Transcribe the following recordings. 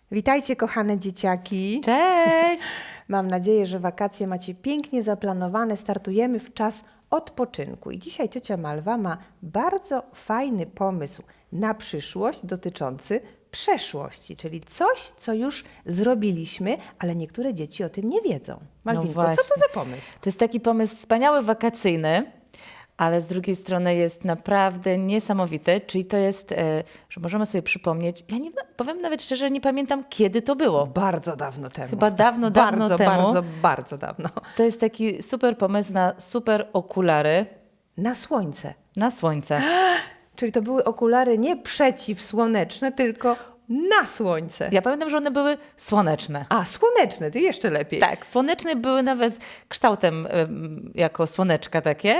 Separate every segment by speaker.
Speaker 1: Witajcie, kochane dzieciaki.
Speaker 2: Cześć!
Speaker 1: Mam nadzieję, że wakacje macie pięknie zaplanowane. Startujemy w czas odpoczynku. I dzisiaj ciocia Malwa ma bardzo fajny pomysł na przyszłość dotyczący przeszłości, czyli coś, co już zrobiliśmy, ale niektóre dzieci o tym nie wiedzą. Malwinko, co to
Speaker 2: właśnie.
Speaker 1: za pomysł?
Speaker 2: To jest taki pomysł wspaniały, wakacyjny, ale z drugiej strony jest naprawdę niesamowity, czyli to jest, że możemy sobie przypomnieć, ja nie powiem nawet szczerze, nie pamiętam kiedy to było.
Speaker 1: Bardzo dawno temu.
Speaker 2: Chyba dawno
Speaker 1: bardzo,
Speaker 2: temu.
Speaker 1: bardzo dawno.
Speaker 2: To jest taki super pomysł na super okulary
Speaker 1: Na słońce.
Speaker 2: na słońce.
Speaker 1: Czyli to były okulary nie przeciwsłoneczne, tylko na słońce.
Speaker 2: Ja pamiętam, że one były słoneczne.
Speaker 1: A, słoneczne, to jeszcze lepiej.
Speaker 2: Tak, słoneczne były nawet kształtem jako słoneczka takie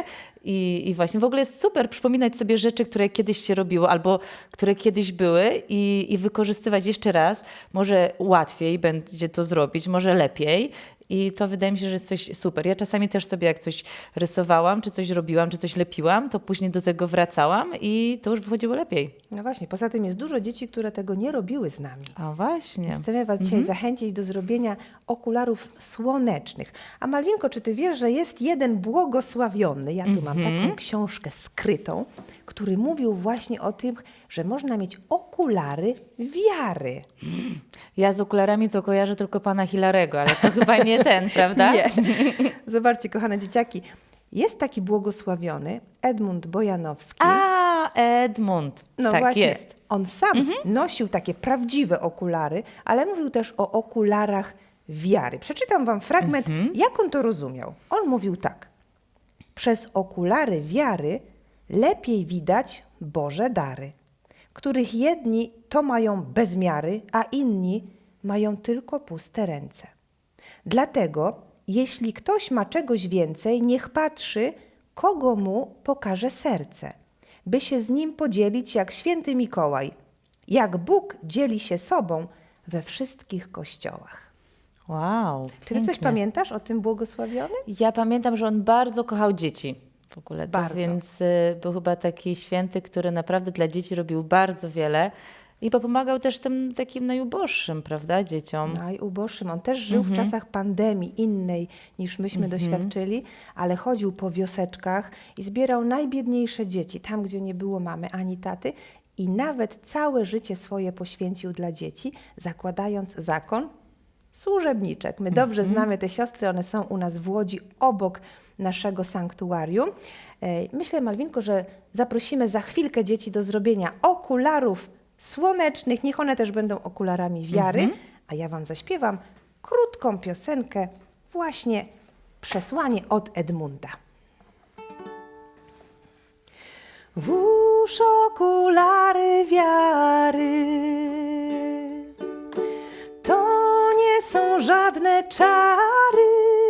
Speaker 2: i właśnie w ogóle jest super przypominać sobie rzeczy, które kiedyś się robiło albo które kiedyś były i wykorzystywać jeszcze raz. Może łatwiej będzie to zrobić, może lepiej i to wydaje mi się, że jest coś super. Ja czasami też sobie jak coś rysowałam, czy coś robiłam, czy coś lepiłam, to później do tego wracałam i to już wychodziło lepiej.
Speaker 1: No właśnie, poza tym jest dużo dzieci, które tego nie robiły z nami.
Speaker 2: A właśnie.
Speaker 1: Chcemy Was dzisiaj zachęcić do zrobienia okularów słonecznych. A Malwinko, czy Ty wiesz, że jest jeden błogosławiony, ja tu mam taką książkę skrytą, który mówił właśnie o tym, że można mieć okulary wiary.
Speaker 2: Ja z okularami to kojarzę tylko pana Hilarego, ale to chyba nie ten, prawda?
Speaker 1: Nie. Zobaczcie, kochane dzieciaki, jest taki błogosławiony Edmund Bojanowski.
Speaker 2: A, Edmund.
Speaker 1: No
Speaker 2: tak
Speaker 1: właśnie,
Speaker 2: jest.
Speaker 1: on sam nosił takie prawdziwe okulary, ale mówił też o okularach wiary. Przeczytam wam fragment, jak on to rozumiał. On mówił tak. Przez okulary wiary lepiej widać Boże dary, których jedni to mają bez miary, a inni mają tylko puste ręce. Dlatego, jeśli ktoś ma czegoś więcej, niech patrzy, kogo mu pokaże serce, by się z nim podzielić jak święty Mikołaj, jak Bóg dzieli się sobą we wszystkich kościołach.
Speaker 2: Wow,
Speaker 1: Czy ty coś
Speaker 2: pięknie.
Speaker 1: pamiętasz o tym błogosławionym?
Speaker 2: Ja pamiętam, że on bardzo kochał dzieci w ogóle.
Speaker 1: Bardzo.
Speaker 2: Więc był chyba taki święty, który naprawdę dla dzieci robił bardzo wiele i pomagał też tym takim najuboższym, prawda, dzieciom.
Speaker 1: Najuboższym. On też żył w czasach pandemii innej niż myśmy doświadczyli, ale chodził po wioseczkach i zbierał najbiedniejsze dzieci, tam gdzie nie było mamy ani taty i nawet całe życie swoje poświęcił dla dzieci, zakładając zakon służebniczek. My dobrze znamy te siostry, one są u nas w Łodzi obok naszego sanktuarium. Myślę, Malwinko, że zaprosimy za chwilkę dzieci do zrobienia okularów słonecznych. Niech one też będą okularami wiary, a ja wam zaśpiewam krótką piosenkę, właśnie przesłanie od Edmunda. Włóż okulary wiary, to nie są żadne czary,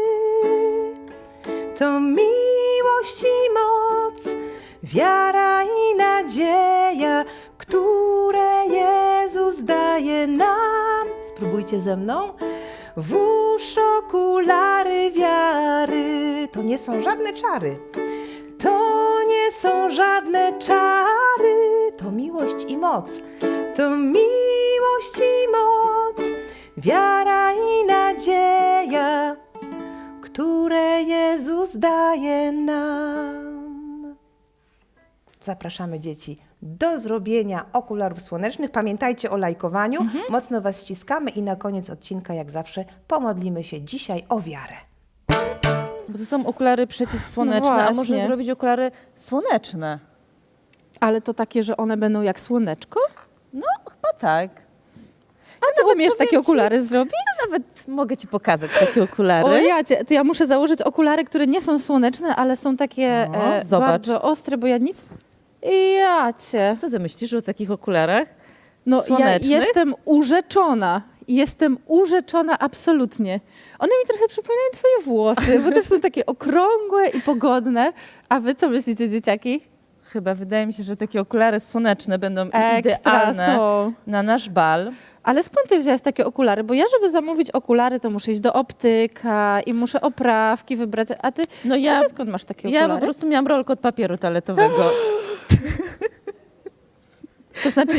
Speaker 1: to miłość i moc, wiara i nadzieja, które Jezus daje nam. Spróbujcie ze mną. Włóż okulary wiary, to nie są żadne czary, to nie są żadne czary, to miłość i moc, to miłość i moc, wiara i nadzieja, które Jezus daje nam. Zapraszamy dzieci do zrobienia okularów słonecznych. Pamiętajcie o lajkowaniu. Mocno Was ściskamy i na koniec odcinka, jak zawsze, pomodlimy się dzisiaj o wiarę.
Speaker 2: Bo to są okulary przeciwsłoneczne,
Speaker 3: No
Speaker 2: a
Speaker 3: właśnie.
Speaker 2: można zrobić okulary słoneczne.
Speaker 3: Ale to takie, że one będą jak słoneczko?
Speaker 2: No, chyba tak.
Speaker 3: A ty umiesz takie
Speaker 2: powiem ci-
Speaker 3: okulary zrobić?
Speaker 2: Nawet mogę ci pokazać takie okulary.
Speaker 3: O jacie, to ja muszę założyć okulary, które nie są słoneczne, ale są takie
Speaker 2: No, zobacz.
Speaker 3: bardzo ostre, bo ja nic... Jacie.
Speaker 2: Co ty myślisz o takich okularach?
Speaker 3: No
Speaker 2: Słonecznych?
Speaker 3: ja jestem urzeczona. Jestem urzeczona absolutnie. One mi trochę przypominają twoje włosy, bo też są takie okrągłe i pogodne. A wy co myślicie, dzieciaki?
Speaker 2: Chyba wydaje mi się, że takie okulary słoneczne będą
Speaker 3: Ekstra
Speaker 2: idealne
Speaker 3: są.
Speaker 2: na nasz bal.
Speaker 3: Ale skąd ty wziąłeś takie okulary? Bo ja, żeby zamówić okulary, to muszę iść do optyka i muszę oprawki wybrać. A ty,
Speaker 2: No
Speaker 3: a ty skąd masz takie
Speaker 2: ja
Speaker 3: okulary?
Speaker 2: po prostu miałam rolkę od papieru toaletowego.
Speaker 3: To znaczy,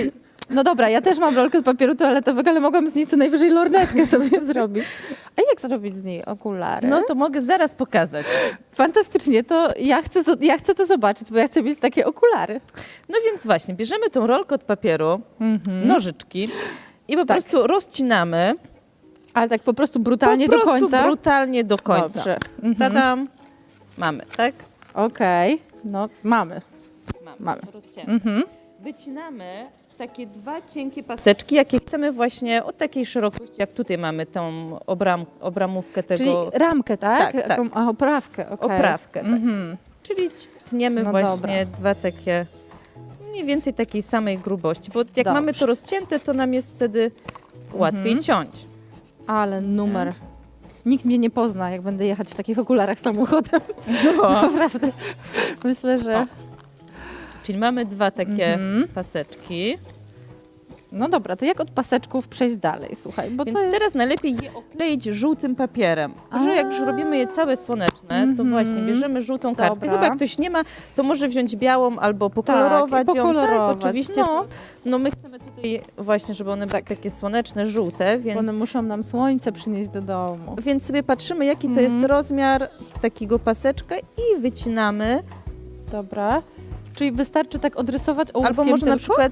Speaker 3: No dobra, ja też mam rolkę od papieru toaletowego, ale mogłam z niej co najwyżej lornetkę sobie zrobić. A jak zrobić z niej okulary?
Speaker 2: No to mogę zaraz pokazać.
Speaker 3: Fantastycznie, to ja chcę to zobaczyć, bo ja chcę mieć takie okulary.
Speaker 2: No więc właśnie, bierzemy tą rolkę od papieru, nożyczki i po
Speaker 3: Tak.
Speaker 2: prostu rozcinamy.
Speaker 3: Ale tak po prostu brutalnie
Speaker 2: po prostu
Speaker 3: do końca?
Speaker 2: brutalnie do końca.
Speaker 3: Dobrze.
Speaker 2: Tadam. Mamy, tak?
Speaker 3: Okej, no mamy. Mamy.
Speaker 2: Rozcięte. Wycinamy takie 2 cienkie paseczki, jakie chcemy właśnie od takiej szerokości, jak tutaj mamy tą obramówkę tego.
Speaker 3: Czyli ramkę, tak?
Speaker 2: Tak, tak.
Speaker 3: Jaką- A, oprawkę, okej.
Speaker 2: Oprawkę, tak. Czyli tniemy
Speaker 3: No
Speaker 2: właśnie 2 takie, mniej więcej takiej samej grubości, bo jak
Speaker 3: Dobrze.
Speaker 2: mamy to rozcięte, to nam jest wtedy łatwiej ciąć.
Speaker 3: Ale numer. Nikt mnie nie pozna, jak będę jechać w takich okularach samochodem.
Speaker 2: No.
Speaker 3: Naprawdę. Myślę, że...
Speaker 2: O. Czyli mamy 2 takie paseczki,
Speaker 3: No dobra, to jak od paseczków przejść dalej, słuchaj, bo
Speaker 2: więc
Speaker 3: to jest...
Speaker 2: teraz najlepiej je okleić żółtym papierem. Że jak już robimy je całe słoneczne, to właśnie bierzemy żółtą kartkę.
Speaker 3: Dobra.
Speaker 2: Chyba jak ktoś nie ma, to może wziąć białą albo pokolorować
Speaker 3: Tak, i
Speaker 2: ją.
Speaker 3: pokolorować.
Speaker 2: Tak, oczywiście.
Speaker 3: No.
Speaker 2: No my chcemy tutaj właśnie, żeby one były takie słoneczne, żółte,
Speaker 3: Bo one
Speaker 2: więc,
Speaker 3: muszą nam słońce przynieść do domu.
Speaker 2: więc sobie patrzymy, jaki to jest rozmiar takiego paseczka i wycinamy.
Speaker 3: Dobra. Czyli wystarczy tak odrysować ołówkiem
Speaker 2: Albo może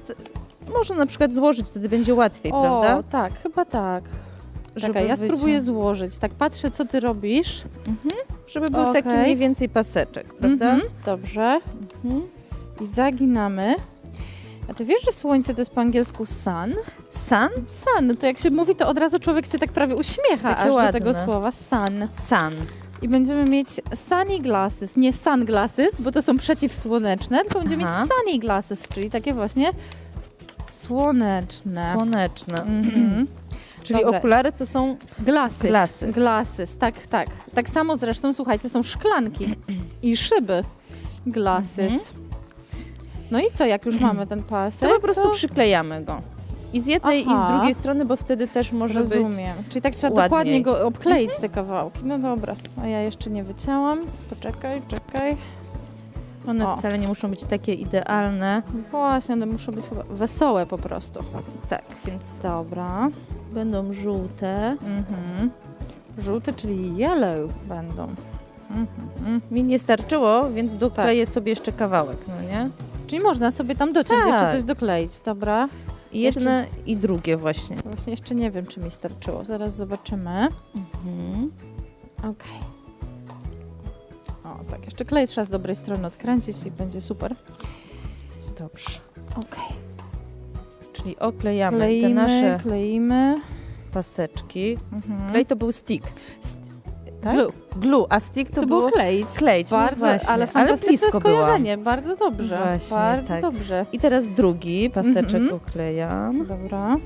Speaker 2: na
Speaker 3: tylko?
Speaker 2: przykład złożyć, wtedy będzie łatwiej,
Speaker 3: O,
Speaker 2: prawda?
Speaker 3: tak, chyba tak.
Speaker 2: Żeby
Speaker 3: Czekaj, ja spróbuję
Speaker 2: wyciąć.
Speaker 3: złożyć. Tak patrzę, co ty robisz.
Speaker 2: Żeby był taki
Speaker 3: Okej.
Speaker 2: mniej więcej paseczek, prawda?
Speaker 3: Mhm, dobrze. I zaginamy. A ty wiesz, że słońce to jest po angielsku sun?
Speaker 2: Sun?
Speaker 3: Sun, to jak się mówi, to od razu człowiek się tak prawie uśmiecha
Speaker 2: Takie
Speaker 3: aż do
Speaker 2: ładne.
Speaker 3: tego słowa sun.
Speaker 2: Sun.
Speaker 3: I będziemy mieć sunny glasses, nie sunglasses, bo to są przeciwsłoneczne, tylko będziemy
Speaker 2: Aha.
Speaker 3: mieć sunny glasses, czyli takie właśnie słoneczne.
Speaker 2: Słoneczne.
Speaker 3: Mhm.
Speaker 2: Czyli
Speaker 3: Dobra.
Speaker 2: okulary to są
Speaker 3: Glasses.
Speaker 2: Glasses.
Speaker 3: Glasses, tak, tak. Tak samo zresztą, słuchajcie, są szklanki i szyby. Glasses. No i co, jak już mamy ten pasek?
Speaker 2: to po prostu przyklejamy go. I z jednej i
Speaker 3: Aha.
Speaker 2: z drugiej strony, bo wtedy też może być...
Speaker 3: Rozumiem. Czyli tak trzeba
Speaker 2: ładniej.
Speaker 3: dokładnie go obkleić, te kawałki. No dobra, a ja jeszcze nie wycięłam. Poczekaj.
Speaker 2: One
Speaker 3: O.
Speaker 2: wcale nie muszą być takie idealne.
Speaker 3: Właśnie, one muszą być chyba wesołe po prostu.
Speaker 2: Tak, więc
Speaker 3: Dobra.
Speaker 2: będą żółte.
Speaker 3: Mhm. Żółte, czyli yellow będą.
Speaker 2: Mi nie starczyło, więc dokleję sobie jeszcze kawałek, no nie?
Speaker 3: Czyli można sobie tam dociąć,
Speaker 2: Tak.
Speaker 3: jeszcze coś dokleić, dobra?
Speaker 2: I jedne i drugie właśnie.
Speaker 3: Właśnie jeszcze nie wiem, czy mi starczyło. Zaraz zobaczymy.
Speaker 2: Mhm.
Speaker 3: Okej. O, tak, jeszcze klej trzeba z dobrej strony odkręcić i będzie super.
Speaker 2: Dobrze.
Speaker 3: Okej.
Speaker 2: Czyli oklejamy
Speaker 3: Kleimy,
Speaker 2: te nasze
Speaker 3: kleimy.
Speaker 2: paseczki.
Speaker 3: Mhm.
Speaker 2: Klej to był stick. Tak?
Speaker 3: Glue.
Speaker 2: Glue, a stick to,
Speaker 3: To było kleić.
Speaker 2: kleić. No
Speaker 3: Bardzo,
Speaker 2: właśnie,
Speaker 3: ale fantastyczne
Speaker 2: blisko byłam.
Speaker 3: skojarzenie. Bardzo dobrze.
Speaker 2: Właśnie,
Speaker 3: bardzo
Speaker 2: tak.
Speaker 3: dobrze.
Speaker 2: I teraz drugi paseczek
Speaker 3: Mhm.
Speaker 2: oklejam.
Speaker 3: Dobra.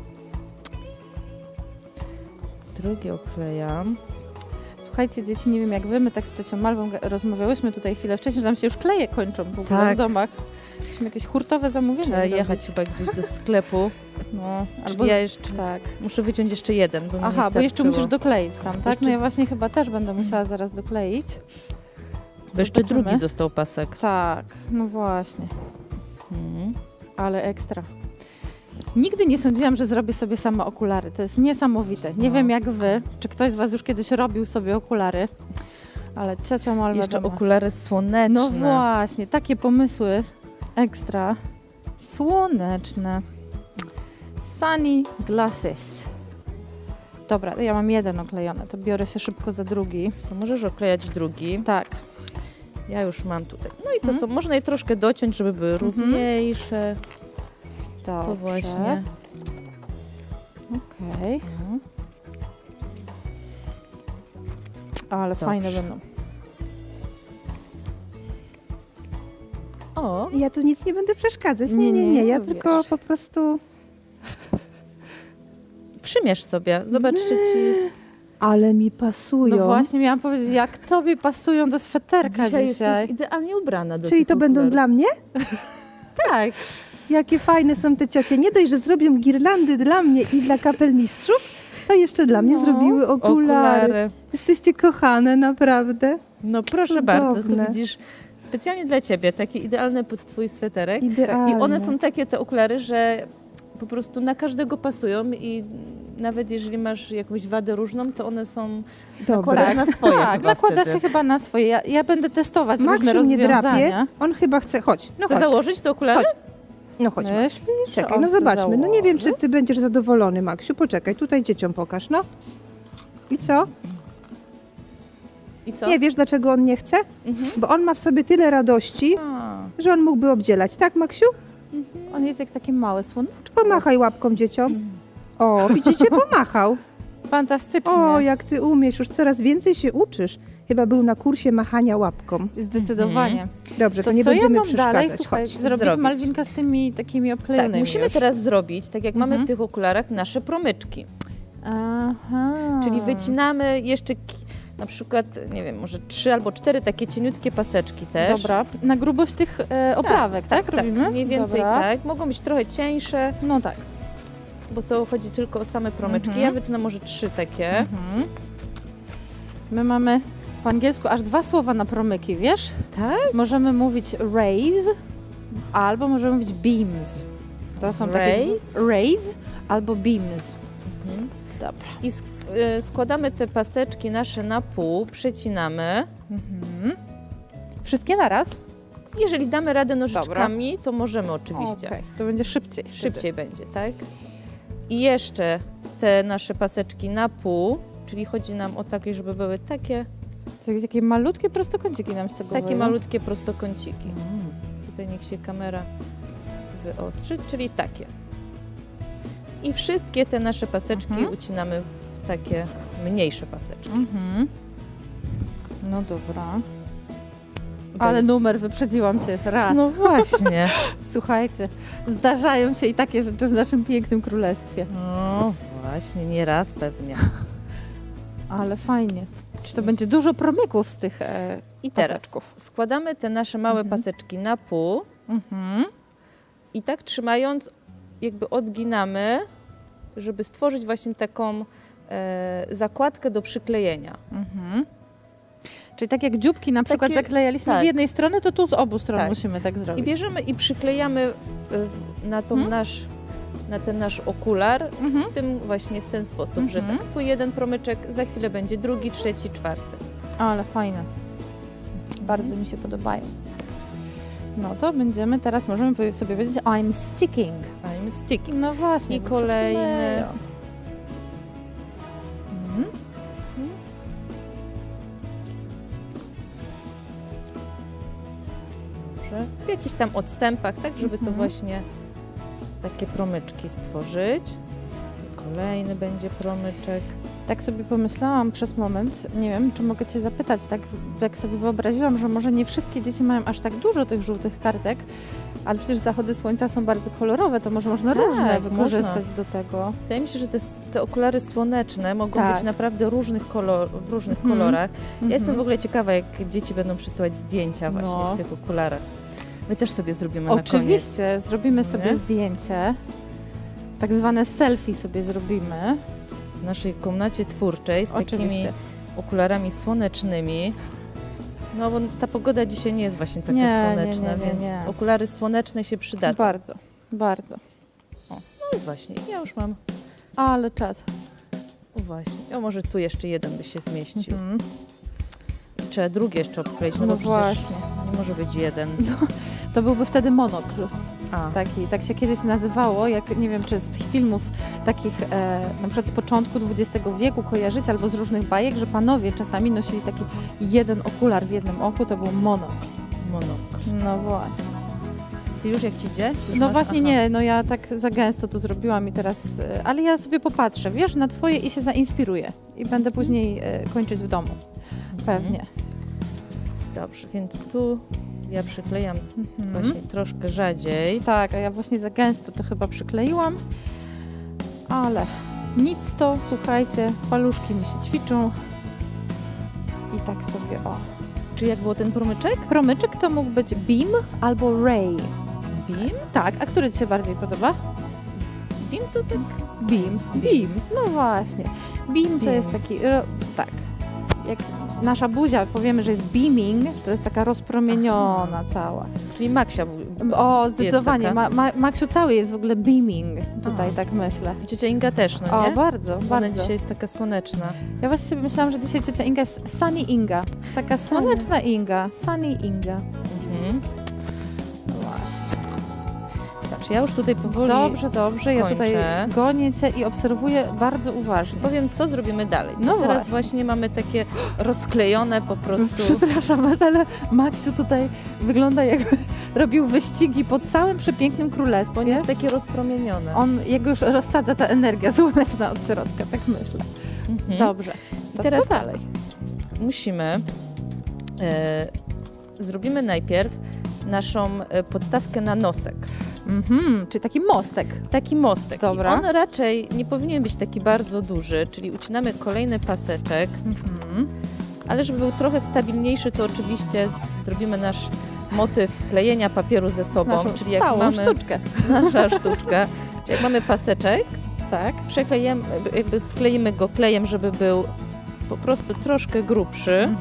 Speaker 2: Drugi oklejam.
Speaker 3: Słuchajcie, dzieci, nie wiem jak wy, my tak z ciocią Malwą rozmawiałyśmy tutaj chwilę wcześniej, że nam się już kleje kończą w ogóle
Speaker 2: Tak.
Speaker 3: w domach. Musimy jakieś hurtowe zamówienie
Speaker 2: Trzeba
Speaker 3: zrobić.
Speaker 2: jechać chyba gdzieś do sklepu.
Speaker 3: No,
Speaker 2: Albo ja jeszcze
Speaker 3: tak.
Speaker 2: muszę wyciąć jeszcze jeden, bo mi
Speaker 3: Aha,
Speaker 2: nie
Speaker 3: bo jeszcze
Speaker 2: starczyło.
Speaker 3: musisz dokleić tam, tak?
Speaker 2: Jeszcze-
Speaker 3: No ja właśnie chyba też będę musiała zaraz dokleić.
Speaker 2: Bo jeszcze
Speaker 3: Zobaczymy.
Speaker 2: drugi został pasek.
Speaker 3: Tak, no właśnie,
Speaker 2: Mhm.
Speaker 3: ale ekstra. Nigdy nie sądziłam, że zrobię sobie sama okulary. To jest niesamowite. Nie
Speaker 2: No.
Speaker 3: wiem jak wy, czy ktoś z was już kiedyś robił sobie okulary, ale ciocia Malwa
Speaker 2: Jeszcze
Speaker 3: doma.
Speaker 2: okulary słoneczne.
Speaker 3: No właśnie, takie pomysły ekstra. Słoneczne. Sunny glasses. Dobra, ja mam jeden oklejony, to biorę się szybko za drugi.
Speaker 2: To możesz oklejać drugi.
Speaker 3: Tak.
Speaker 2: Ja już mam tutaj. No i to są, można je troszkę dociąć, żeby były równiejsze.
Speaker 3: Dobrze.
Speaker 2: To właśnie.
Speaker 3: Okej.
Speaker 2: No.
Speaker 3: Ale
Speaker 2: Dobrze.
Speaker 3: fajne będą.
Speaker 2: O,
Speaker 1: Ja tu nic nie będę przeszkadzać.
Speaker 3: Nie,
Speaker 1: Nie. Ja
Speaker 3: no
Speaker 1: tylko
Speaker 3: wiesz.
Speaker 1: po prostu...
Speaker 2: przymierz sobie. Zobacz, czy ci...
Speaker 1: Ale mi pasują.
Speaker 3: No właśnie miałam powiedzieć, jak tobie pasują do sweterka
Speaker 2: Dzisiaj
Speaker 3: dzisiaj.
Speaker 2: jesteś idealnie ubrana do
Speaker 1: Czyli
Speaker 2: tych
Speaker 1: to będą
Speaker 2: okularów.
Speaker 1: dla mnie?
Speaker 2: Tak.
Speaker 1: Jakie fajne są te ciocie. Nie dość, że zrobią girlandy dla mnie i dla kapelmistrzów, to jeszcze dla mnie
Speaker 3: No,
Speaker 1: zrobiły okulary. Jesteście kochane, naprawdę.
Speaker 2: No proszę bardzo,
Speaker 1: Cudowne.
Speaker 2: to widzisz, specjalnie dla ciebie, takie idealne pod twój sweterek.
Speaker 1: Idealne.
Speaker 2: I one są takie, te okulary, że po prostu na każdego pasują i nawet jeżeli masz jakąś wadę różną, to one są nakładasz na swoje
Speaker 3: Tak,
Speaker 2: chyba
Speaker 3: nakłada
Speaker 2: wtedy.
Speaker 3: się chyba na swoje. Ja będę testować różne
Speaker 1: Maksiu nie drapie,
Speaker 3: rozwiązania.
Speaker 1: on chyba chce, chodź, no
Speaker 2: Chcę
Speaker 1: chodź,
Speaker 2: założyć te okulary?
Speaker 1: Chodź. no chodź. Maksiu.
Speaker 3: Myślisz?
Speaker 1: Czekaj,
Speaker 3: On
Speaker 1: no
Speaker 3: chce
Speaker 1: zobaczmy, no nie wiem, czy
Speaker 3: założyć?
Speaker 1: ty będziesz zadowolony, Maksiu, poczekaj, tutaj dzieciom pokaż, no. I co?
Speaker 2: I co?
Speaker 1: Nie wiesz, dlaczego on nie chce?
Speaker 2: Mhm.
Speaker 1: Bo on ma w sobie tyle radości,
Speaker 2: A.
Speaker 1: że on mógłby obdzielać, tak, Maksiu?
Speaker 3: On jest jak takie małe słoneczko.
Speaker 1: Pomachaj łapką dzieciom. O, widzicie, pomachał.
Speaker 3: Fantastycznie.
Speaker 1: O, jak ty umiesz, już coraz więcej się uczysz. Chyba był na kursie machania łapką.
Speaker 3: Zdecydowanie.
Speaker 1: Dobrze, to nie
Speaker 3: co ja
Speaker 1: będziemy
Speaker 3: mam
Speaker 1: przeszkadzać.
Speaker 3: dalej? Słuchaj,
Speaker 1: Chodź.
Speaker 3: zrobić
Speaker 2: Zrobić.
Speaker 3: Malwinka z tymi takimi
Speaker 2: Tak,
Speaker 3: obklejonymi
Speaker 2: musimy
Speaker 3: już.
Speaker 2: teraz zrobić, tak jak mamy
Speaker 3: Mhm.
Speaker 2: w tych okularach, nasze promyczki.
Speaker 3: Aha.
Speaker 2: Czyli wycinamy jeszcze na przykład, nie wiem, może 3 albo 4 takie cieniutkie paseczki też.
Speaker 3: Dobra, na grubość tych oprawek, tak? Robimy?
Speaker 2: Mniej więcej
Speaker 3: Dobra.
Speaker 2: tak. Mogą być trochę cieńsze,
Speaker 3: No tak.
Speaker 2: bo to chodzi tylko o same promyczki.
Speaker 3: Mhm.
Speaker 2: Ja wytnę może 3 takie.
Speaker 3: Mhm. My mamy po angielsku aż 2 słowa na promyki, wiesz?
Speaker 2: Tak?
Speaker 3: Możemy mówić raise albo możemy mówić beams. To są takie...
Speaker 2: Raise?
Speaker 3: Raise albo beams.
Speaker 2: Mhm.
Speaker 3: Dobra.
Speaker 2: I składamy te paseczki nasze na pół, przecinamy.
Speaker 3: Mhm. Wszystkie naraz?
Speaker 2: Jeżeli damy radę nożyczkami, to możemy oczywiście.
Speaker 3: Okej, to będzie szybciej. wtedy.
Speaker 2: Szybciej będzie, tak? I jeszcze te nasze paseczki na pół, czyli chodzi nam o takie, żeby były takie
Speaker 3: Takie malutkie prostokąciki nam z tego wyjdą.
Speaker 2: malutkie prostokąciki. Tutaj niech się kamera wyostrzy, czyli takie. I wszystkie te nasze paseczki
Speaker 3: Mhm.
Speaker 2: ucinamy w takie mniejsze paseczki.
Speaker 3: Mhm. No dobra. Ale numer, wyprzedziłam cię raz.
Speaker 2: No właśnie.
Speaker 3: Słuchajcie, zdarzają się i takie rzeczy w naszym pięknym królestwie.
Speaker 2: No właśnie, nie raz pewnie.
Speaker 3: Ale fajnie. Czy to będzie dużo promyków z tych
Speaker 2: I teraz
Speaker 3: paseczków?
Speaker 2: składamy te nasze małe
Speaker 3: Mhm.
Speaker 2: paseczki na pół
Speaker 3: Mhm.
Speaker 2: i tak trzymając jakby odginamy, żeby stworzyć właśnie taką zakładkę do przyklejenia.
Speaker 3: Mhm. Czyli tak jak dzióbki na przykład
Speaker 2: Takie-
Speaker 3: zaklejaliśmy
Speaker 2: tak.
Speaker 3: z jednej strony, to tu z obu stron
Speaker 2: Tak.
Speaker 3: musimy tak
Speaker 2: I
Speaker 3: zrobić.
Speaker 2: bierzemy i przyklejamy na, tą na ten nasz okular
Speaker 3: Mhm.
Speaker 2: właśnie w ten sposób, że
Speaker 3: Mhm.
Speaker 2: tak, tu jeden promyczek, za chwilę będzie drugi, trzeci, czwarty.
Speaker 3: Ale fajne. Bardzo mi się podobają. No to będziemy teraz, możemy sobie powiedzieć I'm sticking.
Speaker 2: I'm sticking.
Speaker 3: No właśnie.
Speaker 2: I
Speaker 3: bo
Speaker 2: kolejny.
Speaker 3: przykleją.
Speaker 2: Mhm. Dobrze. W jakichś tam odstępach, tak, żeby to
Speaker 3: Mhm.
Speaker 2: właśnie takie promyczki stworzyć. Kolejny będzie promyczek.
Speaker 3: Tak sobie pomyślałam przez moment, nie wiem, czy mogę Cię zapytać, tak jak sobie wyobraziłam, że może nie wszystkie dzieci mają aż tak dużo tych żółtych kartek, ale przecież zachody słońca są bardzo kolorowe, to może można
Speaker 2: Tak,
Speaker 3: różne wykorzystać
Speaker 2: można.
Speaker 3: do tego.
Speaker 2: Wydaje mi się, że te okulary słoneczne mogą
Speaker 3: Tak.
Speaker 2: być naprawdę w różnych
Speaker 3: Mhm.
Speaker 2: kolorach. Ja jestem
Speaker 3: Mhm.
Speaker 2: w ogóle ciekawa, jak dzieci będą przysyłać zdjęcia właśnie
Speaker 3: No.
Speaker 2: w tych okularach. My też sobie zrobimy na koniec.
Speaker 3: Oczywiście, zrobimy sobie
Speaker 2: Nie?
Speaker 3: zdjęcie, tak zwane selfie sobie zrobimy.
Speaker 2: W naszej komnacie twórczej z takimi
Speaker 3: Oczywiście.
Speaker 2: okularami słonecznymi. No bo ta pogoda dzisiaj nie jest właśnie taka
Speaker 3: Nie,
Speaker 2: słoneczna,
Speaker 3: nie,
Speaker 2: więc
Speaker 3: nie.
Speaker 2: okulary słoneczne się przydadzą.
Speaker 3: Bardzo, bardzo.
Speaker 2: No i właśnie, ja już mam.
Speaker 3: Ale czad.
Speaker 2: O właśnie, o może tu jeszcze jeden by się zmieścił.
Speaker 3: Mhm.
Speaker 2: I trzeba drugi jeszcze obkleić, no,
Speaker 3: No
Speaker 2: bo przecież
Speaker 3: właśnie.
Speaker 2: nie może być jeden.
Speaker 3: To byłby wtedy monokl.
Speaker 2: A,
Speaker 3: Tak się kiedyś nazywało, jak nie wiem, czy z filmów takich na przykład z początku XX wieku kojarzyć, albo z różnych bajek, że panowie czasami nosili taki jeden okular w jednym oku, to był monokl.
Speaker 2: monokl.
Speaker 3: No właśnie.
Speaker 2: Ty już jak ci idzie? Już
Speaker 3: No
Speaker 2: masz?
Speaker 3: właśnie
Speaker 2: Aha.
Speaker 3: nie, no ja tak za gęsto to zrobiłam i teraz, ale ja sobie popatrzę, wiesz, na twoje i się zainspiruję i będę później kończyć w domu. Pewnie.
Speaker 2: Dobrze, więc tu ja przyklejam
Speaker 3: Mhm.
Speaker 2: właśnie troszkę rzadziej.
Speaker 3: Tak, a ja właśnie za gęsto to chyba przykleiłam, ale nic to, słuchajcie, paluszki mi się ćwiczą i tak sobie, o.
Speaker 2: Czy jak było ten promyczek?
Speaker 3: Promyczek to mógł być beam albo ray.
Speaker 2: Beam?
Speaker 3: Tak, a który Ci się bardziej podoba?
Speaker 2: Beam to tak...
Speaker 3: Beam. No właśnie. Beam to
Speaker 2: Beam.
Speaker 3: jest taki, tak, jak nasza buzia, powiemy, że jest beaming, to jest taka rozpromieniona cała.
Speaker 2: Czyli Maksia
Speaker 3: O, zdecydowanie.
Speaker 2: taka.
Speaker 3: Maksiu cały jest w ogóle beaming, tutaj tak myślę.
Speaker 2: I ciocia Inga też, no
Speaker 3: O,
Speaker 2: nie?
Speaker 3: bardzo,
Speaker 2: Ona
Speaker 3: bardzo.
Speaker 2: dzisiaj jest taka słoneczna.
Speaker 3: Ja właśnie sobie myślałam, że dzisiaj ciocia Inga jest Sunny Inga. Taka
Speaker 1: Sunny.
Speaker 3: słoneczna Inga, Sunny Inga.
Speaker 2: Mhm.
Speaker 3: No właśnie.
Speaker 2: Znaczy ja już tutaj powoli
Speaker 3: Dobrze, ja tutaj
Speaker 2: kończę.
Speaker 3: gonię cię i obserwuję bardzo uważnie.
Speaker 2: powiem, co zrobimy dalej.
Speaker 3: No
Speaker 2: Teraz
Speaker 3: właśnie.
Speaker 2: mamy takie rozklejone po prostu...
Speaker 3: Przepraszam was, ale Maksiu tutaj wygląda jakby robił wyścigi po całym przepięknym
Speaker 2: Bo
Speaker 3: królestwie.
Speaker 2: on jest takie rozpromienione.
Speaker 3: Jego już rozsadza ta energia słoneczna od środka, tak myślę.
Speaker 2: Mhm.
Speaker 3: Dobrze. To
Speaker 2: teraz
Speaker 3: co dalej?
Speaker 2: Musimy... zrobimy najpierw naszą podstawkę na nosek.
Speaker 3: Czyli taki mostek.
Speaker 2: Taki mostek.
Speaker 3: Dobra.
Speaker 2: I on raczej nie powinien być taki bardzo duży, czyli ucinamy kolejny paseczek, ale żeby był trochę stabilniejszy, to oczywiście zrobimy nasz motyw klejenia papieru ze sobą,
Speaker 3: Naszą
Speaker 2: czyli jak
Speaker 3: stałą
Speaker 2: mamy
Speaker 3: sztuczkę.
Speaker 2: nasza sztuczka, czyli jak mamy paseczek,
Speaker 3: Tak.
Speaker 2: przeklejemy, jakby skleimy go klejem, żeby był po prostu troszkę grubszy.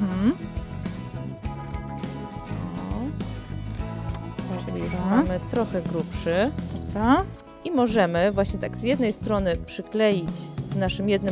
Speaker 2: Czyli już
Speaker 3: Dobra.
Speaker 2: mamy trochę grubszy.
Speaker 3: Dobra.
Speaker 2: I możemy właśnie tak z jednej strony przykleić w naszym jednym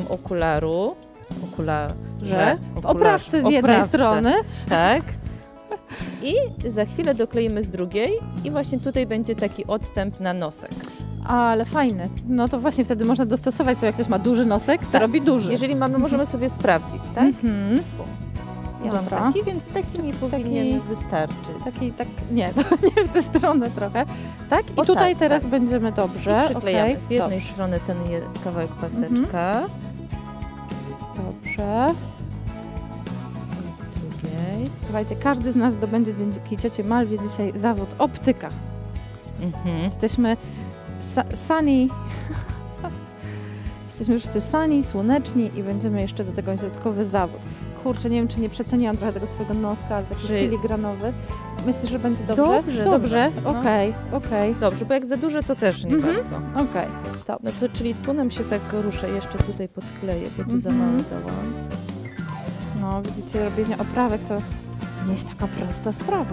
Speaker 2: okularze,
Speaker 3: W oprawce z jednej strony.
Speaker 2: tak. I za chwilę dokleimy z drugiej i właśnie tutaj będzie taki odstęp na nosek.
Speaker 3: Ale fajny. No to właśnie wtedy można dostosować sobie, jak ktoś ma duży nosek, to robi duży.
Speaker 2: Jeżeli mamy, możemy sobie sprawdzić, tak?
Speaker 3: Mhm.
Speaker 2: Ja mam
Speaker 3: Dobra.
Speaker 2: taki, więc taki mi powinien wystarczyć.
Speaker 3: Nie, to nie w tę stronę trochę. Tak? I
Speaker 2: O,
Speaker 3: tutaj
Speaker 2: tak,
Speaker 3: teraz
Speaker 2: tak.
Speaker 3: będziemy dobrze.
Speaker 2: I przyklejamy
Speaker 3: okej,
Speaker 2: z jednej
Speaker 3: dobrze.
Speaker 2: strony ten kawałek paseczka,
Speaker 3: Dobrze.
Speaker 2: i z drugiej.
Speaker 3: Słuchajcie, każdy z nas zdobędzie dzięki ciocie Malwie dzisiaj zawód optyka.
Speaker 2: Mhm.
Speaker 3: Jesteśmy sunny. Jesteśmy wszyscy sunny, słoneczni i będziemy jeszcze do tego mieć dodatkowy zawód. Kurczę, nie wiem, czy nie przeceniłam trochę tego swojego noska, ale taki
Speaker 2: Że-
Speaker 3: filigranowy. Myślisz, że będzie dobrze?
Speaker 2: Dobrze, dobrze. No.
Speaker 3: Okej.
Speaker 2: Dobrze, bo jak za duże, to też nie
Speaker 3: Mhm.
Speaker 2: bardzo.
Speaker 3: Okej. Dobrze.
Speaker 2: No to czyli tu nam się tak rusza, jeszcze tutaj podkleję, bo tu za
Speaker 3: Mhm.
Speaker 2: mało dałam.
Speaker 3: No, widzicie, robienie oprawek to nie jest taka prosta sprawa.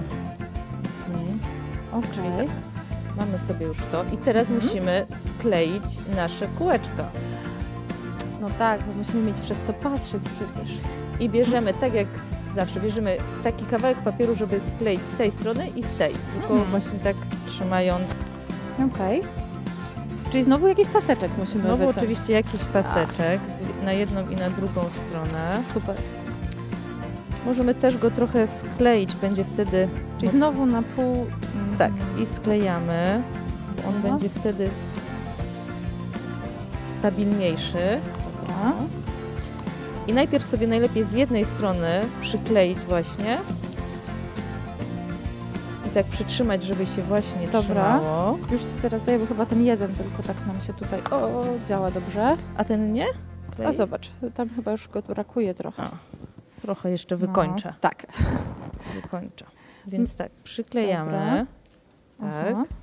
Speaker 2: Mhm. Czyli
Speaker 3: Okej.
Speaker 2: tak, mamy sobie już to i teraz musimy skleić nasze kółeczka.
Speaker 3: No tak, bo musimy mieć przez co patrzeć przecież.
Speaker 2: I bierzemy, tak jak zawsze, bierzemy taki kawałek papieru, żeby skleić z tej strony i z tej. Tylko właśnie tak trzymając.
Speaker 3: Okej. Czyli znowu jakiś paseczek musimy
Speaker 2: Znowu
Speaker 3: wyciąć.
Speaker 2: oczywiście jakiś paseczek na jedną i na drugą stronę.
Speaker 3: Super.
Speaker 2: Możemy też go trochę skleić, będzie wtedy...
Speaker 3: Czyli
Speaker 2: moc-
Speaker 3: znowu na pół...
Speaker 2: Tak, i sklejamy. On
Speaker 3: Aha.
Speaker 2: będzie wtedy stabilniejszy.
Speaker 3: Dobra.
Speaker 2: I najpierw sobie najlepiej z jednej strony przykleić właśnie i tak przytrzymać, żeby się właśnie
Speaker 3: Dobra.
Speaker 2: trzymało.
Speaker 3: Już ci teraz daję, bo chyba ten jeden tylko tak nam się tutaj... O, działa dobrze.
Speaker 2: A ten nie?
Speaker 3: A zobacz, tam chyba już go brakuje trochę.
Speaker 2: A, trochę jeszcze wykończę.
Speaker 3: No, tak.
Speaker 2: Wykończę. Więc tak, przyklejamy. Tak.
Speaker 3: Aha.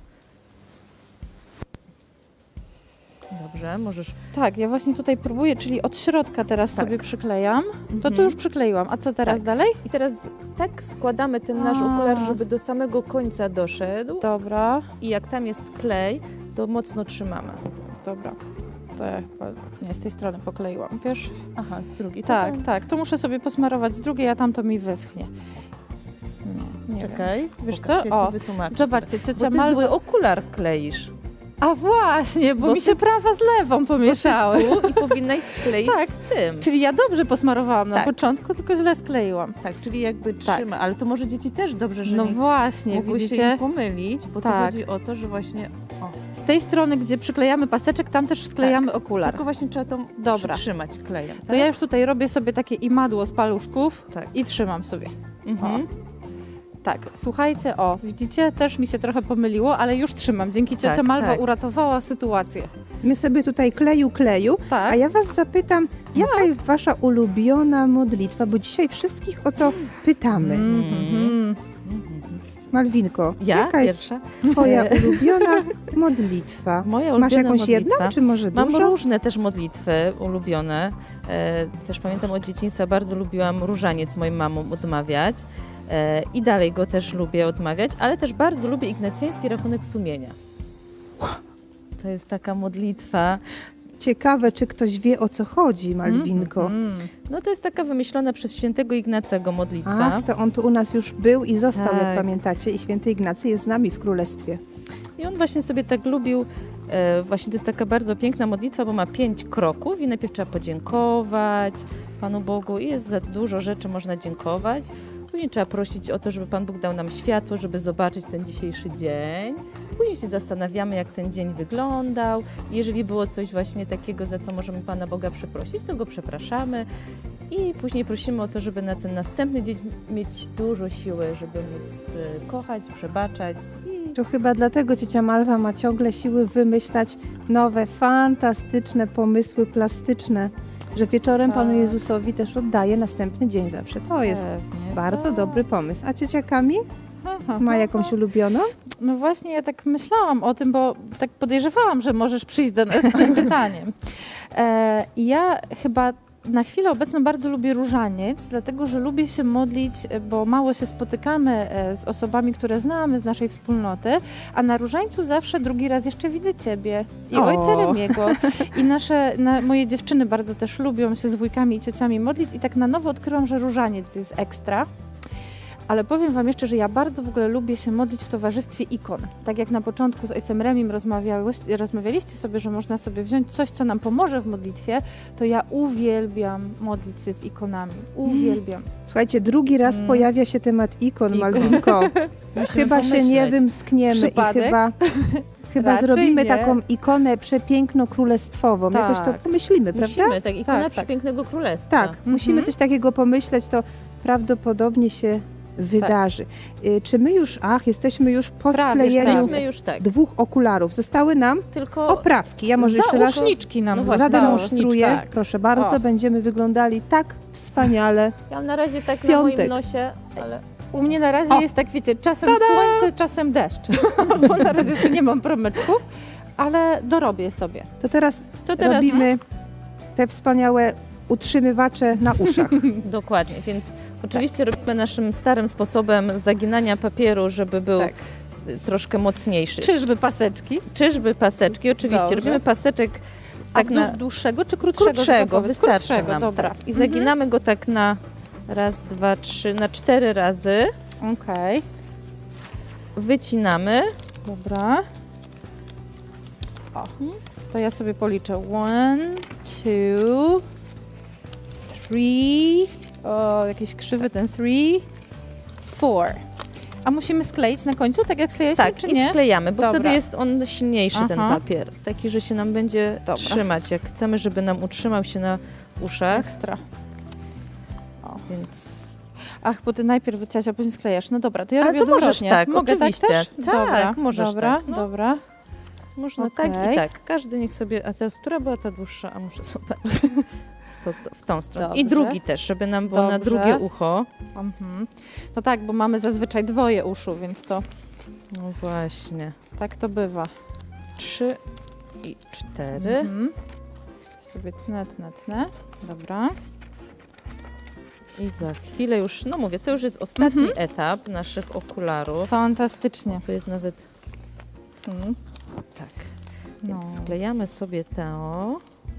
Speaker 2: Dobrze, możesz...
Speaker 3: Tak, ja właśnie tutaj próbuję, czyli od środka teraz
Speaker 2: Tak.
Speaker 3: sobie przyklejam. To tu
Speaker 2: Mhm.
Speaker 3: już przykleiłam. A co teraz
Speaker 2: Tak.
Speaker 3: dalej?
Speaker 2: I teraz tak składamy ten nasz
Speaker 3: A.
Speaker 2: okular, żeby do samego końca doszedł.
Speaker 3: Dobra,
Speaker 2: I jak tam jest klej, to mocno trzymamy.
Speaker 3: dobra. To ja chyba nie z tej strony pokleiłam, wiesz?
Speaker 2: Aha, z drugiej.
Speaker 3: Tak, tak. To muszę sobie posmarować z drugiej, a tam to mi wyschnie. Nie
Speaker 2: Czekaj,
Speaker 3: Wiesz
Speaker 2: pokaż,
Speaker 3: co?
Speaker 2: ja
Speaker 3: O,
Speaker 2: ci wytłumaczę.
Speaker 3: Zobaczcie,
Speaker 2: Bo
Speaker 3: ciocia
Speaker 2: ty
Speaker 3: Malwa...
Speaker 2: zły okular kleisz.
Speaker 3: A właśnie, bo
Speaker 2: Bo
Speaker 3: mi się prawa z lewą pomieszały.
Speaker 2: Tu i powinnaś skleić
Speaker 3: Tak.
Speaker 2: z tym.
Speaker 3: Czyli ja dobrze posmarowałam na
Speaker 2: Tak.
Speaker 3: początku, tylko źle skleiłam.
Speaker 2: Tak, czyli jakby
Speaker 3: Tak.
Speaker 2: trzyma. Ale to może dzieci też dobrze, że
Speaker 3: No
Speaker 2: nie
Speaker 3: właśnie,
Speaker 2: mogły się
Speaker 3: widzicie?
Speaker 2: im pomylić, bo to
Speaker 3: Tak.
Speaker 2: chodzi o to, że właśnie... O,
Speaker 3: Z tej strony, gdzie przyklejamy paseczek, tam też sklejamy okular.
Speaker 2: tylko właśnie trzeba to
Speaker 3: Dobra.
Speaker 2: przytrzymać klejem. Tak?
Speaker 3: To ja już tutaj robię sobie takie imadło z paluszków
Speaker 2: Tak.
Speaker 3: i trzymam sobie.
Speaker 2: Mhm.
Speaker 3: Tak, słuchajcie, o, widzicie, też mi się trochę pomyliło, ale już trzymam. Dzięki ciocia
Speaker 2: Tak,
Speaker 3: Malwa
Speaker 2: tak.
Speaker 3: uratowała sytuację.
Speaker 1: My sobie tutaj kleju,
Speaker 3: Tak.
Speaker 1: a ja was zapytam, jaka jest wasza ulubiona modlitwa, bo dzisiaj wszystkich o to pytamy.
Speaker 3: Mhm.
Speaker 1: Malwinko,
Speaker 2: Ja
Speaker 1: jaka jest
Speaker 2: pierwsza?
Speaker 1: twoja ulubiona modlitwa?
Speaker 2: Moja
Speaker 1: Masz
Speaker 2: ulubiona
Speaker 1: jakąś jedną,
Speaker 2: modlitwa?
Speaker 1: czy może
Speaker 2: Mam
Speaker 1: dużo?
Speaker 2: różne też modlitwy ulubione. Też pamiętam od dzieciństwa bardzo lubiłam różaniec moim mamom odmawiać. I dalej go też lubię odmawiać, ale też bardzo lubię ignacjański rachunek sumienia. To jest taka modlitwa.
Speaker 1: Ciekawe, czy ktoś wie, o co chodzi, Malwinko.
Speaker 2: No to jest taka wymyślona przez świętego Ignacego modlitwa.
Speaker 1: Ach, to on tu u nas już był i został,
Speaker 2: Tak.
Speaker 1: jak pamiętacie. I święty Ignacy jest z nami w królestwie.
Speaker 2: I on właśnie sobie tak lubił, właśnie to jest taka bardzo piękna modlitwa, bo ma 5 kroków i najpierw trzeba podziękować Panu Bogu i jest za dużo rzeczy można dziękować. Później trzeba prosić o to, żeby Pan Bóg dał nam światło, żeby zobaczyć ten dzisiejszy dzień. Później się zastanawiamy, jak ten dzień wyglądał. Jeżeli było coś właśnie takiego, za co możemy Pana Boga przeprosić, to go przepraszamy. I później prosimy o to, żeby na ten następny dzień mieć dużo siły, żeby móc kochać, przebaczać.
Speaker 1: To chyba dlatego ciocia Malwa ma ciągle siły wymyślać nowe, fantastyczne pomysły plastyczne, że wieczorem Panu Jezusowi też oddaje następny dzień zawsze. To jest
Speaker 3: Pewnie,
Speaker 1: bardzo
Speaker 3: tak.
Speaker 1: dobry pomysł. A ciocia Kami
Speaker 3: Aha,
Speaker 1: ma
Speaker 3: aha.
Speaker 1: jakąś ulubioną?
Speaker 3: No właśnie, ja tak myślałam o tym, bo tak podejrzewałam, że możesz przyjść do nas z tym pytaniem. I ja chyba na chwilę obecną bardzo lubię różaniec, dlatego że lubię się modlić, bo mało się spotykamy z osobami, które znamy z naszej wspólnoty, a na różańcu zawsze drugi raz jeszcze widzę Ciebie i
Speaker 1: O.
Speaker 3: ojca Remiego. I moje dziewczyny bardzo też lubią się z wujkami i ciociami modlić i tak na nowo odkryłam, że różaniec jest ekstra. Ale powiem Wam jeszcze, że ja bardzo w ogóle lubię się modlić w towarzystwie ikon. Tak jak na początku z ojcem Remim rozmawialiście sobie, że można sobie wziąć coś, co nam pomoże w modlitwie, to ja uwielbiam modlić się z ikonami. Uwielbiam.
Speaker 1: Słuchajcie, drugi raz pojawia się temat ikon, Malwinko.
Speaker 2: Musimy
Speaker 1: Chyba się nie
Speaker 2: pomyśleć.
Speaker 1: wymskniemy
Speaker 3: Przypadek?
Speaker 1: i chyba
Speaker 3: Raczej
Speaker 1: zrobimy
Speaker 3: nie.
Speaker 1: taką ikonę przepiękno-królestwową. Jakoś to
Speaker 3: Tak.
Speaker 1: pomyślimy, prawda?
Speaker 2: Musimy, tak, ikona
Speaker 3: Tak, tak.
Speaker 2: przepięknego królestwa.
Speaker 1: Tak, musimy coś takiego pomyśleć, to prawdopodobnie się wydarzy. Czy my już, jesteśmy już po
Speaker 3: Prawie,
Speaker 1: sklejeniu
Speaker 2: Jesteśmy już tak.
Speaker 1: 2 okularów. Zostały nam
Speaker 2: Tylko
Speaker 1: oprawki. Ja może jeszcze raz
Speaker 3: Zauszniczki nam
Speaker 2: No właśnie,
Speaker 3: zostały.
Speaker 1: zademonstruję.
Speaker 3: Tak.
Speaker 1: Proszę bardzo,
Speaker 3: O.
Speaker 1: będziemy wyglądali tak wspaniale.
Speaker 2: ja mam na razie tak na
Speaker 1: Piątek.
Speaker 2: moim nosie, ale
Speaker 3: U mnie na razie jest tak, wiecie, czasem słońce, czasem deszcz. Bo na razie jeszcze nie mam promyczków, ale dorobię sobie.
Speaker 1: To teraz
Speaker 2: to teraz
Speaker 1: robimy te wspaniałe utrzymywacze na uszach.
Speaker 2: dokładnie, więc oczywiście robimy naszym starym sposobem zaginania papieru, żeby był
Speaker 3: Tak.
Speaker 2: troszkę mocniejszy.
Speaker 3: Czyżby paseczki?
Speaker 2: Czyżby paseczki? Oczywiście,
Speaker 3: Dobrze.
Speaker 2: robimy paseczek
Speaker 3: Tak
Speaker 2: tak na
Speaker 3: dłuższego czy krótszego?
Speaker 2: krótszego,
Speaker 3: Powiedz?
Speaker 2: wystarczy
Speaker 3: Krótszego,
Speaker 2: nam.
Speaker 3: dobra.
Speaker 2: Tak. I zaginamy go tak na raz, dwa, trzy, na 4 razy.
Speaker 3: Okej,
Speaker 2: Wycinamy.
Speaker 3: dobra. O, to ja sobie policzę. 1, 2, 3. O, jakiś krzywy ten 3, 4. A musimy skleić na końcu, tak jak sklejaliśmy,
Speaker 2: Tak,
Speaker 3: czy
Speaker 2: i
Speaker 3: nie?
Speaker 2: sklejamy, bo
Speaker 3: Dobra.
Speaker 2: wtedy jest on silniejszy, ten
Speaker 3: Aha.
Speaker 2: papier. Taki, że się nam będzie
Speaker 3: Dobra.
Speaker 2: trzymać. Jak chcemy, żeby nam utrzymał się na uszach,
Speaker 3: Ekstra.
Speaker 2: więc...
Speaker 3: Ach, bo ty najpierw wyciąłeś, a później sklejasz. No dobra, to ja
Speaker 2: Ale
Speaker 3: robię
Speaker 2: to możesz
Speaker 3: odwrotnie.
Speaker 2: tak,
Speaker 3: Mogę
Speaker 2: oczywiście.
Speaker 3: tak też?
Speaker 2: Tak,
Speaker 3: Dobra,
Speaker 2: możesz
Speaker 3: dobra,
Speaker 2: tak, no.
Speaker 3: dobra.
Speaker 2: Można
Speaker 3: Okej.
Speaker 2: tak i tak. Każdy niech sobie... A teraz która była ta dłuższa? A muszę zobaczyć. To w tą stronę. I
Speaker 3: Dobrze.
Speaker 2: drugi też, żeby nam było na
Speaker 3: Dobrze.
Speaker 2: drugie ucho.
Speaker 3: Mhm. No tak, bo mamy zazwyczaj dwoje uszu, więc to
Speaker 2: No właśnie.
Speaker 3: tak to bywa.
Speaker 2: 3 i 4.
Speaker 3: Mhm. Sobie tnę. Dobra.
Speaker 2: I za chwilę już, no mówię, to już jest ostatni etap naszych okularów.
Speaker 3: Fantastycznie.
Speaker 2: To jest nawet
Speaker 3: Mhm.
Speaker 2: tak.
Speaker 3: No.
Speaker 2: Więc sklejamy sobie to.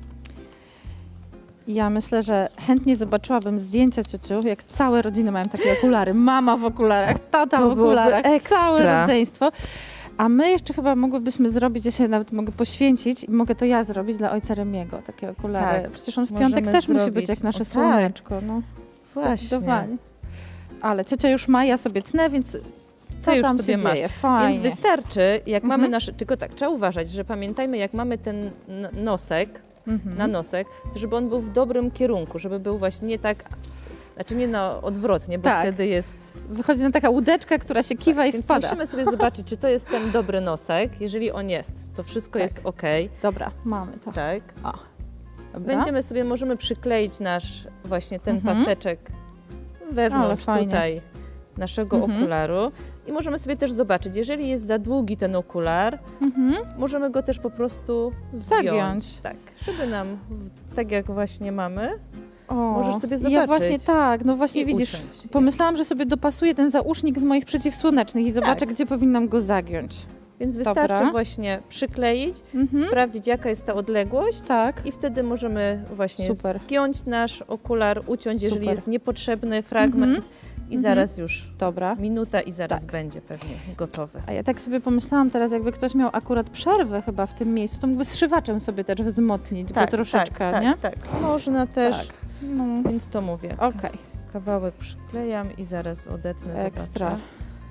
Speaker 3: Ja myślę, że chętnie zobaczyłabym zdjęcia ciociu, jak całe rodziny mają takie okulary. Mama w okularach, tata
Speaker 2: To
Speaker 3: w okularach,
Speaker 2: byłoby ekstra.
Speaker 3: całe rodzeństwo. A my jeszcze chyba mogłybyśmy zrobić, ja się nawet mogę poświęcić i mogę to ja zrobić dla ojca Remiego, takie okulary.
Speaker 2: Tak,
Speaker 3: Przecież on w
Speaker 2: możemy
Speaker 3: piątek też musi
Speaker 2: zrobić.
Speaker 3: być jak nasze
Speaker 2: O, tak.
Speaker 3: słoneczko. No,
Speaker 2: Właśnie.
Speaker 3: zdecydowanie. Ale ciocia już ma, ja sobie tnę, więc co
Speaker 2: Ty już
Speaker 3: tam
Speaker 2: sobie
Speaker 3: się
Speaker 2: masz.
Speaker 3: dzieje? Fajnie.
Speaker 2: Więc wystarczy, jak mamy
Speaker 3: Mhm.
Speaker 2: nasze, tylko tak, trzeba uważać, że pamiętajmy, jak mamy ten nosek,
Speaker 3: Mhm.
Speaker 2: na nosek, to żeby on był w dobrym kierunku, żeby był właśnie nie tak, znaczy nie odwrotnie, bo
Speaker 3: Tak.
Speaker 2: wtedy jest...
Speaker 3: Wychodzi na taka łódeczka, która się kiwa i
Speaker 2: Więc
Speaker 3: spada.
Speaker 2: musimy sobie zobaczyć, czy to jest ten dobry nosek. Jeżeli on jest, to wszystko
Speaker 3: Tak.
Speaker 2: jest ok,
Speaker 3: Dobra, mamy to.
Speaker 2: tak?
Speaker 3: Dobra.
Speaker 2: Będziemy sobie, możemy przykleić nasz właśnie ten
Speaker 3: Mhm.
Speaker 2: paseczek
Speaker 3: Ale
Speaker 2: wewnątrz
Speaker 3: fajnie.
Speaker 2: tutaj naszego
Speaker 3: Mhm.
Speaker 2: okularu. I możemy sobie też zobaczyć, jeżeli jest za długi ten okular, możemy go też po prostu zdjąć.
Speaker 3: Zagiąć.
Speaker 2: Tak, żeby nam, tak jak właśnie mamy,
Speaker 3: O,
Speaker 2: możesz sobie
Speaker 3: Ja
Speaker 2: zobaczyć.
Speaker 3: właśnie tak, no właśnie
Speaker 2: i
Speaker 3: widzisz,
Speaker 2: uciąć.
Speaker 3: pomyślałam, że sobie dopasuję ten zausznik z moich przeciwsłonecznych i zobaczę,
Speaker 2: Tak.
Speaker 3: gdzie powinnam go zagiąć.
Speaker 2: Więc wystarczy
Speaker 3: Dobra.
Speaker 2: właśnie przykleić,
Speaker 3: Mhm.
Speaker 2: sprawdzić jaka jest ta odległość
Speaker 3: Tak.
Speaker 2: i wtedy możemy właśnie
Speaker 3: Super.
Speaker 2: zgiąć nasz okular, uciąć, jeżeli
Speaker 3: Super.
Speaker 2: jest niepotrzebny fragment i zaraz już
Speaker 3: Dobra.
Speaker 2: minuta i zaraz
Speaker 3: Tak.
Speaker 2: będzie pewnie gotowy.
Speaker 3: A ja tak sobie pomyślałam teraz, jakby ktoś miał akurat przerwę chyba w tym miejscu, to mógłby zszywaczem sobie też wzmocnić go troszeczkę, nie?
Speaker 2: tak. Można też,
Speaker 3: Tak. No,
Speaker 2: więc to mówię.
Speaker 3: okej,
Speaker 2: Kawałek przyklejam i zaraz odetnę,
Speaker 3: ekstra.
Speaker 2: zobaczę.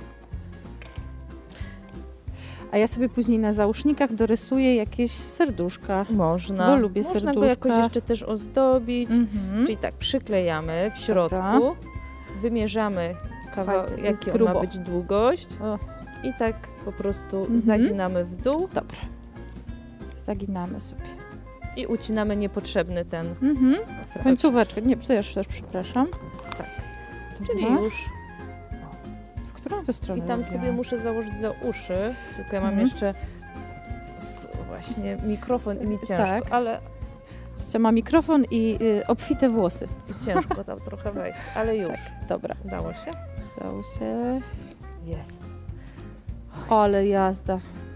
Speaker 3: A ja sobie później na zausznikach dorysuję jakieś serduszka.
Speaker 2: Można.
Speaker 3: Bo lubię
Speaker 2: Można go
Speaker 3: serduszka.
Speaker 2: jakoś jeszcze też ozdobić.
Speaker 3: Mhm.
Speaker 2: Czyli tak, przyklejamy w środku,
Speaker 3: Dobra.
Speaker 2: wymierzamy
Speaker 3: Słuchajcie, jest
Speaker 2: jaka ma
Speaker 3: grubo.
Speaker 2: być długość
Speaker 3: O,
Speaker 2: i tak po prostu
Speaker 3: Mhm.
Speaker 2: zaginamy w dół
Speaker 3: dobra. Zaginamy sobie.
Speaker 2: i ucinamy niepotrzebny ten
Speaker 3: Mhm.
Speaker 2: fragment.
Speaker 3: Końcóweczkę. Nie, też przepraszam.
Speaker 2: Tak,
Speaker 3: Dobra.
Speaker 2: czyli już.
Speaker 3: W którą to stronę
Speaker 2: I tam
Speaker 3: robiłam?
Speaker 2: sobie muszę założyć za uszy, tylko ja mam
Speaker 3: Mhm.
Speaker 2: jeszcze właśnie mikrofon i mi ciężko,
Speaker 3: Tak.
Speaker 2: ale
Speaker 3: Ciocia ma mikrofon i obfite włosy.
Speaker 2: i ciężko tam trochę wejść, ale już.
Speaker 3: Dobra,
Speaker 2: Udało się?
Speaker 3: dało się.
Speaker 2: Jest.
Speaker 3: Ale jazda.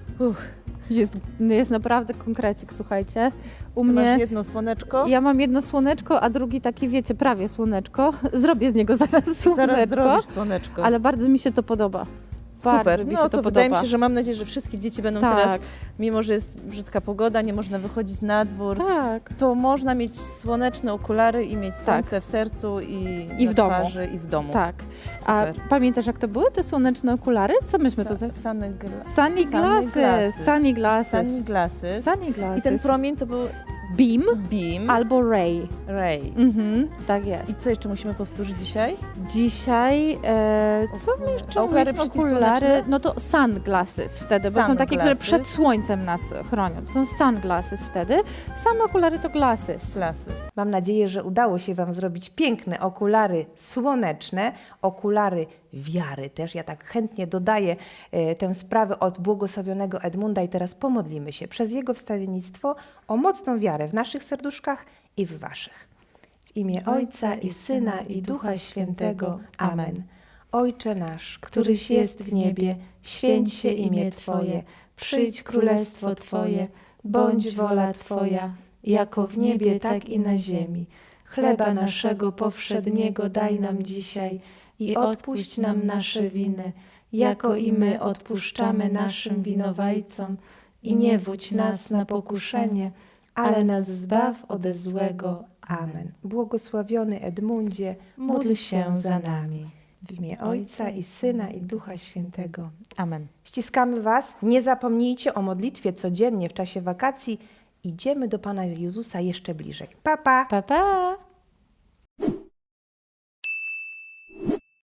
Speaker 3: Jest naprawdę konkrecik, słuchajcie. U
Speaker 2: Ty masz
Speaker 3: mnie
Speaker 2: jedno słoneczko?
Speaker 3: ja mam jedno słoneczko, a drugi taki, wiecie, prawie słoneczko. Zrobię z niego zaraz słoneczko,
Speaker 2: Zaraz zrobisz słoneczko.
Speaker 3: ale bardzo mi się to podoba. Bardzo
Speaker 2: Super,
Speaker 3: mi
Speaker 2: no
Speaker 3: się
Speaker 2: to
Speaker 3: to
Speaker 2: wydaje mi
Speaker 3: podoba.
Speaker 2: się, że mam nadzieję, że wszystkie dzieci będą
Speaker 3: Tak.
Speaker 2: teraz, mimo że jest brzydka pogoda, nie można wychodzić na dwór,
Speaker 3: Tak.
Speaker 2: to można mieć słoneczne okulary i mieć słońce w sercu i
Speaker 3: w
Speaker 2: na
Speaker 3: domu.
Speaker 2: twarzy i w domu.
Speaker 3: Tak. A
Speaker 2: Super.
Speaker 3: pamiętasz, jak to były te słoneczne okulary? Co myśmy to...
Speaker 2: Sunny
Speaker 3: Sunglasses.
Speaker 2: Sunglasses.
Speaker 3: Sunglasses.
Speaker 2: I ten promień to był
Speaker 3: Beam
Speaker 2: beam,
Speaker 3: albo ray.
Speaker 2: ray.
Speaker 3: Mhm, tak jest.
Speaker 2: I co jeszcze musimy powtórzyć dzisiaj?
Speaker 3: Dzisiaj, co my jeszcze
Speaker 2: Okulary
Speaker 3: mówiliśmy?
Speaker 2: przeciwsłoneczne?
Speaker 3: No to sunglasses wtedy, bo są takie, które
Speaker 2: Sunglasses.
Speaker 3: przed słońcem nas chronią. To są sunglasses wtedy. Same okulary to glasses.
Speaker 2: Glasses.
Speaker 1: Mam nadzieję, że udało się Wam zrobić piękne okulary słoneczne, okulary wiary też. Ja tak chętnie dodaję tę sprawę od błogosławionego Edmunda i teraz pomodlimy się przez jego wstawiennictwo o mocną wiarę w naszych serduszkach i w Waszych. W imię Ojca i Syna i Ducha Świętego. Amen. Ojcze nasz, któryś jest w niebie, święć się imię Twoje, przyjdź królestwo Twoje, bądź wola Twoja, jako w niebie, tak i na ziemi. Chleba naszego powszedniego daj nam dzisiaj i odpuść nam nasze winy, jako i my odpuszczamy naszym winowajcom. I nie wódź nas na pokuszenie, ale nas zbaw ode złego. Amen. Błogosławiony Edmundzie, módl się za nami. W imię Ojca i Syna i Ducha Świętego.
Speaker 2: Amen.
Speaker 1: Ściskamy Was. Nie zapomnijcie o modlitwie codziennie w czasie wakacji. Idziemy do Pana Jezusa jeszcze bliżej. Pa, pa!
Speaker 2: Pa, pa!